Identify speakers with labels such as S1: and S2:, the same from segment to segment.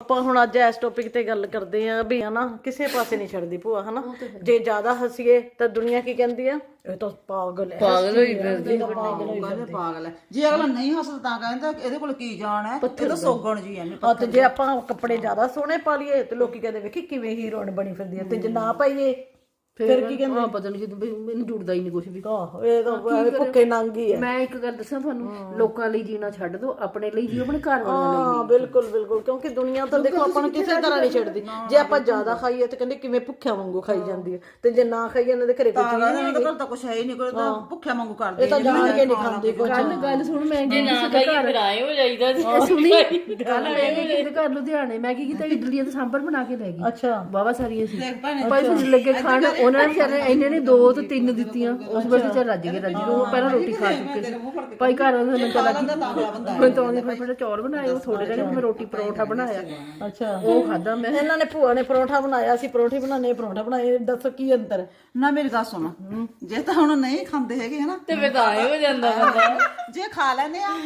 S1: ਆਪਾਂ ਹੁਣ ਅੱਜ ਇਸ ਟੌਪਿਕ ਤੇ ਗੱਲ ਕਰਦੇ ਆ ਵੀ ਹਨਾ ਕਿਸੇ ਪਾਸੇ ਨਹੀਂ ਛੱਡਦੀ ਭੂਆ ਹਨਾ। ਜੇ ਜ਼ਿਆਦਾ ਹੱਸੀਏ ਤਾਂ ਦੁਨੀਆ ਕੀ ਕਹਿੰਦੀ ਆ, ਇਹ ਤਾਂ ਪਾਗਲ ਹੈ,
S2: ਪਾਗਲ ਹੋਈ ਫਿਰਦੀ।
S3: ਪਾਗਲ ਹੈ। ਜੇ ਅਗਲਾ ਨਹੀਂ ਹੱਸਦਾ ਤਾਂ ਕਹਿੰਦਾ ਇਹਦੇ ਕੋਲ ਕੀ ਜਾਣ ਹੈ, ਇਹ ਤਾਂ ਸੋਗਣ ਜੀ ਐਵੇਂ।
S1: ਤੇ ਜੇ ਆਪਾਂ ਕੱਪੜੇ ਜ਼ਿਆਦਾ ਸੋਹਣੇ ਪਾ ਲਈਏ ਤੇ ਲੋਕੀ ਕਹਿੰਦੇ ਵੇਖੀ ਕਿਵੇਂ ਹੀਰੋਇਨ ਬਣੀ ਫਿਰਦੀ ਹੈ, ਤੇ ਜੇ ਨਾ ਪਾਈਏ ਫਿਰ ਕੀ ਕਹਿੰਦੇ
S2: ਪਤਾ ਨਹੀਂ ਕਿ ਮੈਨੂੰ ਜੁੜਦਾ ਹੀ ਨਹੀਂ ਕੁਝ ਵੀ।
S1: ਇਹ ਤਾਂ ਭੁੱਖੇ ਨੰਗੀ ਹੈ।
S2: ਮੈਂ ਇੱਕ ਗੱਲ ਦੱਸਾਂ ਤੁਹਾਨੂੰ, ਲੋਕਾਂ ਲਈ ਜੀਣਾ ਛੱਡ ਦੋ, ਆਪਣੇ ਲਈ ਜੀਓ, ਆਪਣੇ ਘਰ ਵਾਲਿਆਂ ਲਈ।
S1: ਹਾਂ ਬਿਲਕੁਲ ਬਿਲਕੁਲ, ਕਿਉਂਕਿ ਦੁਨੀਆ ਤਾਂ ਦੇਖੋ ਆਪਾਂ ਨੂੰ ਕਿਸੇ ਤਰ੍ਹਾਂ ਨਹੀਂ ਛੱਡਦੀ। ਜੇ ਆਪਾਂ ਜ਼ਿਆਦਾ ਖਾਈਏ ਤੇ ਕਹਿੰਦੇ ਕਿਵੇਂ ਭੁੱਖਿਆਂ ਵਾਂਗੂ ਖਾਈ ਜਾਂਦੀ ਹੈ, ਤੇ ਜੇ ਨਾ ਖਾਈਏ ਇਹਨਾਂ ਦੇ ਘਰੇ ਕੁਝ
S3: ਨਹੀਂ ਤਾਂ ਕੁਛ ਹੈ ਹੀ ਨਹੀਂ, ਕੋਈ ਤਾਂ ਭੁੱਖਿਆ ਵਾਂਗੂ ਕਰਦੇ।
S1: ਇਹ ਤਾਂ ਜਾਣ ਕੇ ਨਹੀਂ ਖਾਂਦੇ ਕੁਝ।
S2: ਗੱਲ ਸੁਣ, ਮੈਂ
S4: ਜੇ ਨਾ ਖਾਈਏ ਫਿਰ ਆਏ ਹੋ ਜਾਈਦਾ
S2: ਸੁਣੀ ਕੱਲ ਮੇਰੇ ਘਰ ਲੁਧਿਆਣੇ ਮੈਂ ਕੀ ਕੀਤਾ, ਇਡਲੀਆਂ ਤੇ ਸਾਂਬਰ ਬਣਾ ਕੇ ਲੈ ਗਈ।
S1: ਅੱਛਾ
S2: ਬਾਵਾ ਸਾਰੀਆਂ ਸੀ ਭਾਈ, ਫਿਰ ਲੱਗੇ ਖਾਣ। ਉਹਨਾਂ ਨੇ ਇਹਨੇ 2 ਤੋਂ 3 ਦਿੱਤੀਆਂ। ਉਸ ਵੇਲੇ ਚੱਲ ਰੱਜ ਗਏ, ਉਹ ਪਹਿਲਾਂ ਰੋਟੀ ਖਾ ਚੁੱਕੇ ਸੀ ਭਾਈ। ਘਰ ਵਾਲੇ ਨੇ ਚਲਾ ਮੈਂ ਤਾਂ ਉਹਨੇ ਫਟਾਫਟ ਚੌਲ ਬਣਾਏ, ਉਹ ਥੋੜੇ ਜਿਹੇ ਮੈਂ ਰੋਟੀ ਪਰੌਂਠਾ ਬਣਾਇਆ।
S1: ਅੱਛਾ
S2: ਉਹ ਖਾਦਾ ਮੈਂ।
S1: ਇਹਨਾਂ ਨੇ ਭੂਆ ਨੇ ਪਰੌਂਠਾ ਬਣਾਇਆ ਸੀ, ਪਰੌਂਠੇ ਬਣਾਣੇ ਪਰੌਂਠਾ ਬਣਾਏ, ਦੱਸੋ ਕੀ ਅੰਤਰ
S3: ਨਾ। ਮੇਰੀ ਗੱਲ ਸੁਣੋ, ਜੇ ਤਾਂ ਹੁਣ ਨਹੀਂ ਖਾਂਦੇ ਹੈਗੇ ਹਨਾ
S4: ਤੇ ਫਿਰ ਤਾਂ ਆਏ ਹੋ ਜਾਂਦਾ ਬੰਦਾ।
S3: ਜੇ ਖਾ ਲੈਂਦੇ ਆ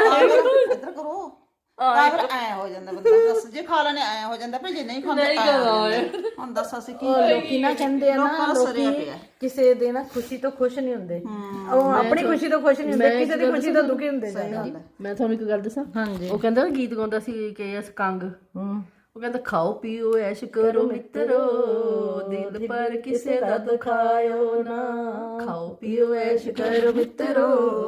S3: ਇੱਧਰ ਕਰੋ ਤਾਂ ਫਿਰ ਐ ਹੋ ਜਾਂਦਾ ਬੰਦਾ। ਦੱਸ ਜੇ ਖਾ ਲੈਣੇ ਐ ਹੋ ਜਾਂਦਾ, ਭਾਈ ਜੇ ਨਹੀਂ ਖਾਂਦੇ ਹੁਣ ਦੱਸ ਅਸੀਂ ਕੀ
S1: ਲੋਕੀ ਨਾ ਕਹਿੰਦੇ ਆ ਨਾ, ਲੋਕੀ ਕਿਸੇ ਦੇ ਨਾ ਖੁਸ਼ੀ ਤੋਂ ਖੁਸ਼ ਨਹੀਂ ਹੁੰਦੇ, ਉਹ ਆਪਣੀ ਖੁਸ਼ੀ ਤੋਂ ਖੁਸ਼ ਨਹੀਂ ਹੁੰਦੇ, ਕਿਸੇ ਦੀ ਖੁਸ਼ੀ ਤੋਂ ਦੁਖੀ ਹੁੰਦੇ ਜਾਂਦੇ।
S2: ਮੈਂ ਤੁਹਾਨੂੰ ਇੱਕ ਗੱਲ ਦੱਸਾਂ,
S1: ਹਾਂਜੀ
S2: ਉਹ ਕਹਿੰਦਾ ਗੀਤ ਗਾਉਂਦਾ ਸੀ ਕਿ ਇਸ ਕੰਗ, ਉਹ ਕਹਿੰਦਾ ਖਾਓ ਪੀਓ ਐਸ਼ ਕਰੋ ਮਿੱਤਰੋ, ਦਿਲ ਪਰ ਕਿਸੇ ਦਾ ਦੁਖਾਇਓ ਨਾ। ਖਾਓ ਪੀਓ ਐਸ਼ ਕਰੋ ਮਿੱਤਰੋ,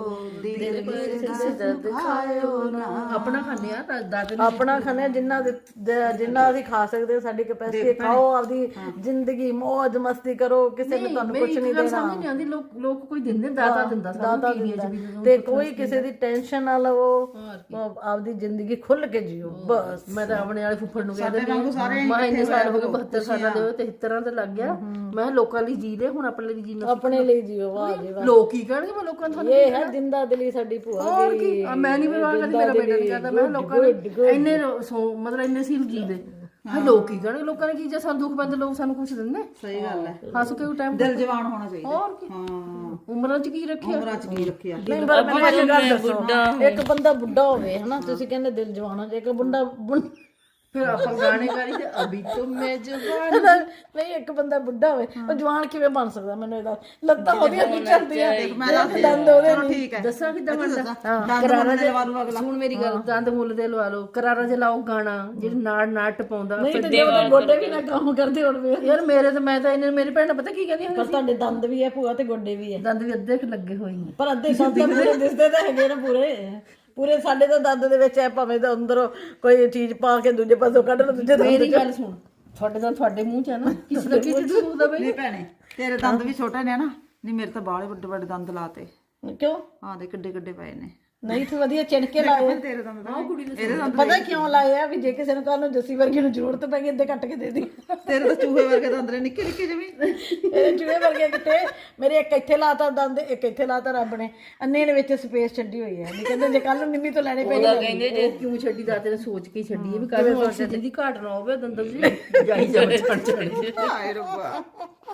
S2: ਦਿਲ ਪਰ ਕਿਸੇ ਦਾ ਦੁਖਾਇਓ ਨਾ। ਆਪਣਾ ਖਾਂਦੇ ਆ ਤਾਂ ਦਾਦੇ
S1: ਆਪਣਾ ਖਾਣੇ ਜਿੰਨਾ ਅਸੀਂ ਖਾ ਸਕਦੇ, ਸਾਡੀ ਕੈਪੈਸਿਟੀ। ਖਾਓ, ਆਪਦੀ ਜ਼ਿੰਦਗੀ ਮौज ਮਸਤੀ ਕਰੋ, ਕਿਸੇ ਨੇ ਤੁਹਾਨੂੰ ਕੁਝ ਨਹੀਂ ਦੇਣਾ।
S2: ਸਮਝ ਨਹੀਂ ਆਉਂਦੀ, ਲੋਕ ਕੋਈ ਦਿੰਦੇ, ਦਾਤਾ ਦਿੰਦਾ
S1: ਦਾਤਾ ਦਿੰਦਾ, ਤੇ ਕੋਈ ਕਿਸੇ ਦੀ ਟੈਨਸ਼ਨ ਨਾ ਲਵੋ, ਆਪਦੀ ਜ਼ਿੰਦਗੀ ਖੁੱਲ ਕੇ ਜੀਓ ਬਸ।
S2: ਮੈਂ ਤਾਂ ਆਪਣੇ ਵਾਲੇ ਫੁੱਫੜ ਨੂੰ ਕਹਿੰਦੇ ਮੈਂ ਇੰਨੇ ਸਾਲ ਹੋ ਗਏ, 72 ਸਾਲਾਂ ਦੇ 73 ਤੇ ਲੱਗ ਗਿਆ। ਮੈਂ ਲੋਕਾਂ ਲਈ ਜੀ ਲੈ, ਹੁਣ ਆਪਣੇ ਲਈ ਜੀਣਾ,
S1: ਆਪਣੇ ਲਈ ਜੀਓ। ਵਾਹ ਜੀ ਵਾਹ,
S2: ਲੋਕ ਕੀ ਕਹਿਣਗੇ, ਮੈਂ ਲੋਕਾਂ ਨੂੰ
S1: ਇਹ ਹੈ ਜਿੰਦਾ ਦਿਲੀ ਸਾਡੀ ਭੂਆ ਦੀ।
S2: ਮੈਂ ਨਹੀਂ ਪਰਵਾਹ ਕਰਦੀ, ਮੇਰਾ ਬੇਟਾ ਨਹੀਂ ਕਰਦਾ। ਮੈਂ ਲੋਕਾਂ ਨੇ ਇੰਨੇ ਮਤਲਬ ਇੰਨੇ ਸੀਲ ਜੀ ਦੇ, ਲੋਕ ਕੀ ਕਹਿਣਗੇ, ਲੋਕਾਂ ਨੇ ਕੀ ਜੇ ਸਾਨੂੰ ਦੁੱਖ ਪੈਂਦੇ ਲੋਕ ਸਾਨੂੰ ਕੁਛ ਦਿੰਦੇ।
S3: ਸਹੀ ਗੱਲ ਹੈ,
S2: ਹੱਸ ਕੇ ਟਾਈਮ
S3: ਦਿਲ ਜਵਾਨ ਹੋਣਾ ਚਾਹੀਦਾ।
S2: ਹੋਰ ਕੀ, ਉਮਰਾਂ ਚ ਕੀ ਰੱਖਿਆ,
S3: ਉਮਰਾਂ ਚ ਕੀ ਰੱਖਿਆ।
S1: ਨਹੀਂ ਪਰ ਮੈਨੂੰ ਇਹ ਗੱਲ ਦੱਸੋ, ਇੱਕ ਬੰਦਾ ਬੁੱਢਾ ਹੋਵੇ ਹਨਾ, ਤੁਸੀਂ ਕਹਿੰਦੇ ਦਿਲ ਜਵਾਨ ਹੋ ਜਾਏ, ਇੱਕ ਬੰਦਾ
S2: ਫਿਰ ਆਪਾਂ ਗਾਣੇ ਗਾਲੀ ਤੇ ਅਭੀ ਤੋਂ ਮੈਂ ਜਵਾਨ।
S1: ਨਹੀਂ ਇੱਕ ਬੰਦਾ ਬੁੱਢਾ ਹੋਵੇ, ਉਹ ਜਵਾਨ ਕਿਵੇਂ ਬਣ ਸਕਦਾ? ਮੈਨੂੰ ਇਹਦਾ ਲੱਤਾਂ ਉਹਦੀਆਂ ਨਹੀਂ ਚੱਲਦੀਆਂ, ਦੰਦ ਉਹਦੇ ਨਹੀਂ।
S3: ਠੀਕ ਹੈ,
S2: ਦੱਸਾਂ ਕਿੱਦਾਂ ਬਣਦਾ?
S3: ਕਰਾਰਾ ਜੇ ਲਵਾ ਲੂ ਅਗਲਾ।
S2: ਹੁਣ ਮੇਰੀ ਗੱਲ, ਦੰਦ ਮੁੱਲ ਦੇ ਲਵਾ ਲਓ, ਕਰਾਰਾ ਜੇ ਲਾਓ ਗਾਣਾ ਜਿਹੜੀ ਨਾੜ ਟਪਾਉਂਦਾ।
S1: ਨਹੀਂ ਤੇ ਜੇ ਉਹਦੇ ਗੋਡੇ ਵੀ ਨਾ ਕੰਮ ਕਰਦੇ ਹੋਣ ਵੇ
S2: ਯਾਰ ਮੇਰੇ ਤਾਂ ਮੈਂ ਤਾਂ ਇਹਨੇ ਮੇਰੀ ਭੈਣ ਨੇ ਪਤਾ ਕੀ ਕਹਿੰਦੀ ਹੁੰਦੀ
S1: ਪਰ ਤੁਹਾਡੇ ਦੰਦ ਵੀ ਹੈ ਭੂਆ ਤੇ ਗੋਡੇ ਵੀ ਹੈ।
S2: ਦੰਦ ਵੀ ਅੱਧੇ ਲੱਗੇ ਹੋਏ ਨੇ,
S1: ਪਰ ਅੱਧੇ ਦੰਦ ਤਾਂ ਪੂਰੇ ਦਿਸਦੇ ਤਾਂ ਹੈਗੇ ਨਾ, ਪੂਰੇ ਸਾਡੇ ਤਾਂ ਦੰਦ ਦੇ ਵਿੱਚ ਐ, ਭਾਵੇਂ ਤਾਂ ਅੰਦਰੋਂ ਕੋਈ ਚੀਜ਼ ਪਾ ਕੇ ਦੂਜੇ ਪਾਸੋਂ ਕੱਢ ਲਓ, ਦੂਜੇ
S2: ਮੇਰੀ ਗੱਲ ਸੁਣ, ਤੁਹਾਡੇ ਤਾਂ ਤੁਹਾਡੇ ਮੂੰਹ ਚ ਆ ਨਾ, ਕਿਸੇ ਦਾ ਕੀ ਚੁੱਕਦਾ ਬਈ।
S3: ਨਹੀਂ ਭੈਣੇ, ਤੇਰੇ ਦੰਦ ਵੀ ਛੋਟੇ ਨੇ ਨਾ। ਨਹੀਂ ਮੇਰੇ ਤਾਂ ਬਾਹਲੇ ਵੱਡੇ ਵੱਡੇ ਦੰਦ ਲਾਤੇ।
S1: ਕਿਉਂ?
S3: ਆਹ ਦੇ ਕਿੱਡੇ ਕਿੱਡੇ ਪਏ ਨੇ।
S1: ਨਹੀਂ ਤੂੰ ਵਧੀਆ ਚਿਣਕੇ ਲਾਏ।
S3: ਤੇਰੇ ਦੰਦ ਤਾਂ ਇਹਦੇ ਦੰਦ
S1: ਪਤਾ ਕਿਉਂ ਲਾਏ ਆ? ਵੀ ਜੇ ਕਿਸੇ ਨੂੰ ਕੱਲ ਨੂੰ ਜੱਸੀ ਵਰਗੀ ਨੂੰ ਜ਼ਰੂਰਤ ਪੈ ਗਈ ਅੱਧੇ ਕੱਟ ਕੇ ਦੇ ਦੀ।
S3: ਤੇਰੇ ਤਾਂ ਚੂਹੇ ਵਰਗੇ ਦੰਦ ਨੇ, ਨਿੱਕੇ ਨਿੱਕੇ ਜਿਵੇਂ।
S1: ਇਹ ਚੂਹੇ ਵਰਗੇ ਕਿਤੇ, ਮੇਰੇ ਇੱਕ ਇੱਥੇ ਲਾਤਾ ਦੰਦ, ਇੱਕ ਇੱਥੇ ਲਾਤਾ ਰੱਬ ਨੇ। ਅੰਨੇ ਦੇ ਵਿੱਚ ਸਪੇਸ ਛੱਡੀ ਹੋਈ ਹੈ। ਨਹੀਂ ਕਹਿੰਦੇ ਜੇ ਕੱਲ ਨੂੰ ਨਿੰਮੀ ਤੋਂ ਲੈਣੇ ਪੈਣੇ।
S4: ਕਹਿੰਦੇ ਜੇ
S2: ਕਿਉਂ ਛੱਡੀ? ਦਾਤੇ ਨੇ ਸੋਚ ਕੇ ਛੱਡੀ ਹੈ ਵੀ ਕੱਲ ਨੂੰ ਆਕਸੀਜਨ ਦੀ ਘਾਟ ਨਾ ਹੋਵੇ, ਦੰਦਾਂ ਦੀ ਜਾਈ ਜਾਵੇ ਚੜ।
S3: ਹਾਏ ਰੱਬਾ,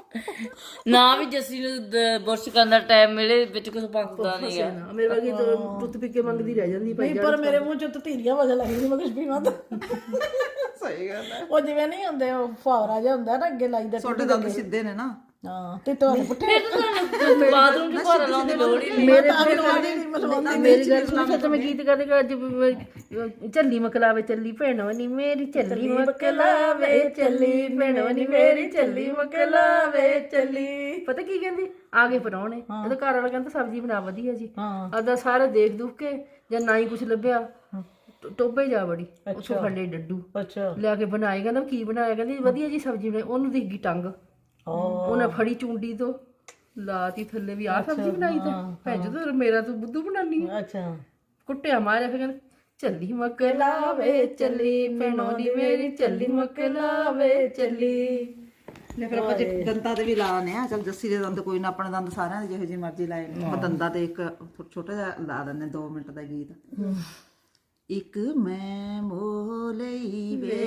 S4: ਨਾ ਵੀ ਜੱਸੀ ਨੂੰ ਬੁਰਸ਼ ਕਰਨ ਦਾ ਟਾਈਮ ਮਿਲੇ, ਵਿੱਚ ਕੁਝ ਪੱਕਦਾ ਨਹੀਂ ਆ।
S2: ਮੇਰੇ ਵਰਗੀ ਤਾਂ ਟੁੱਤ ਪੀ ਕੇ ਮੰਗਦੀ ਰਹਿ ਜਾਂਦੀ ਭਾਈ।
S1: ਨਹੀਂ ਪਰ ਮੇਰੇ ਮੂੰਹ ਚੋਂ ਧੀਰੀਆਂ ਵਜਾ ਲੱਗਦੀ, ਮੈਂ ਕੁਝ ਪੀਵਾਂ ਤਾਂ।
S3: ਸਹੀ ਗੱਲ ਹੈ।
S1: ਉਹ ਜਿਵੇਂ ਨਹੀਂ ਹੁੰਦੇ, ਉਹ ਫਾਵਰਾ ਜਿਹਾ ਹੁੰਦਾ ਨਾ ਅੱਗੇ ਲਾਈਦਾ।
S3: ਛੋਟੇ ਦੰਦ ਸਿੱਧੇ ਨੇ ਨਾ।
S1: ਹਾਂ ਤੇ ਤੁਹਾਨੂੰ ਪੁੱਠੇ
S4: ਬਾਥਰੂਮ ਚ ਘਰ ਲਾਉਣ ਦੀ ਲੋੜ ਹੀ ਨਹੀਂ।
S2: ਮੇਰੀ ਗੱਲ ਸੁਣ, ਤੇ ਮੈਂ ਗੀਤ ਕਰਦੇ ਅੱਜ ਝੱਲੀ ਮਕਲਾਵੇ ਚੱਲੀ ਭੈਣੋ ਨੀ ਮੇਰੀ, ਝੱਲੀ ਮਕਲਾਵੇ ਚੱਲੀ ਭੈਣੋ ਨੀ ਮੇਰੀ, ਝੱਲੀ ਮਕਲਾਵੇ ਚੱਲੀ। ਪਤਾ ਕੀ ਕਹਿੰਦੀ? ਆ ਗਏ ਪਰਾਉਣੇ, ਇਹਦਾ ਘਰ ਵਾਲਾ ਕਹਿੰਦਾ ਸਬਜ਼ੀ ਬਣਾ ਵਧੀਆ ਜੀ। ਆਦਾ ਸਾਰੇ ਦੇਖ ਦੁਖ ਕੇ ਜਾਂ ਨਾ ਹੀ ਕੁਛ ਲੱਭਿਆ, ਟੋਬੇ ਜਾ ਵੜੀ, ਉੱਥੋਂ ਖੰਡੇ ਡੱਡੂ ਲਿਆ ਕੇ ਬਣਾਏ। ਕਹਿੰਦਾ ਕੀ ਬਣਾਇਆ? ਕਹਿੰਦੀ ਵਧੀਆ ਜੀ ਸਬਜ਼ੀ ਬਣਾਈ। ਉਹਨੂੰ ਦਿਖ ਗਈ ਟੰਗ, ਉਹਨੇ ਫੜੀ ਚੁੰਡੀ ਤੋਂ ਲਾਤੀ ਥੱਲੇ ਵੀ ਆਹ ਸਬਜ਼ੀ ਬਣਾਈ ਤਾਂ ਭੈਣ ਜੋ ਮੇਰਾ ਤੂੰ ਬੁੱਧੂ ਬਣਾਨੀ।
S1: ਅੱਛਾ
S2: ਕੁੱਟਿਆ ਮਾਰਿਆ। ਫਿਰ ਕਹਿੰਦਾ ਚੱਲੀ ਮਕਲਾਵੇ ਚੱਲੀ ਭੈਣੋ ਨੀ ਮੇਰੀ, ਚੱਲੀ ਮਕਲਾਵੇ ਚੱਲੀ।
S3: ਫਿਰ ਆਪਾਂ ਜੇ ਦੰਦਾਂ ਤੇ ਵੀ ਲਾਣੇ ਆ। ਚੱਲ ਜੱਸੀ ਦੇ ਦੰਦ ਕੋਈ ਨਾ, ਆਪਣੇ ਦੰਦ ਸਾਰਿਆਂ ਦੇ ਜਿਹੋ ਜਿਹੇ ਮਰਜ਼ੀ ਲਾਏ ਨੇ। ਆਪਾਂ ਦੰਦਾਂ ਤੇ ਇੱਕ ਛੋਟਾ ਜਿਹਾ ਲਾ ਦਿੰਦੇ 2 ਮਿੰਟ ਦਾ ਗੀਤ। ਇੱਕ ਮੈਂ ਮੋਹ ਲਈ ਵੇ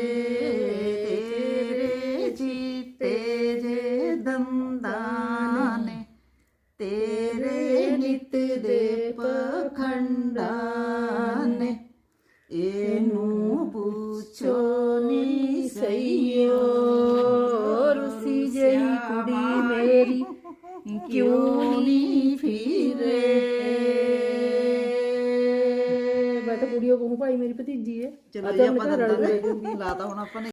S3: ਤੇਰੇ ਜੀਤੇ ਜੇ ਦੰਦਾਂ ਨੇ, ਤੇਰੇ ਨਿਤ ਦੇ ਪਖੰਡਾਂ ਨੇ, ਇਹਨੂੰ ਪੁੱਛੋ
S2: ਸਈਓ ਰੁੱਸੀ ਜਈ ਕੁੜੀ ਮੇਰੀ ਕਿਉਂ ਨਹੀਂ ਫਿਰੇ। ਮੈਂ ਤਾਂ ਕੁੜੀਓ ਕਹੂੰ ਭਾਈ ਮੇਰੀ ਭਤੀਜੀ ਹੈ।
S3: ਚਲੋ ਜੀ ਆਪਾਂ ਦੰਦਾਂ ਦੇ ਲਾਤਾ ਹੁਣ ਆਪਾਂ ਨੇ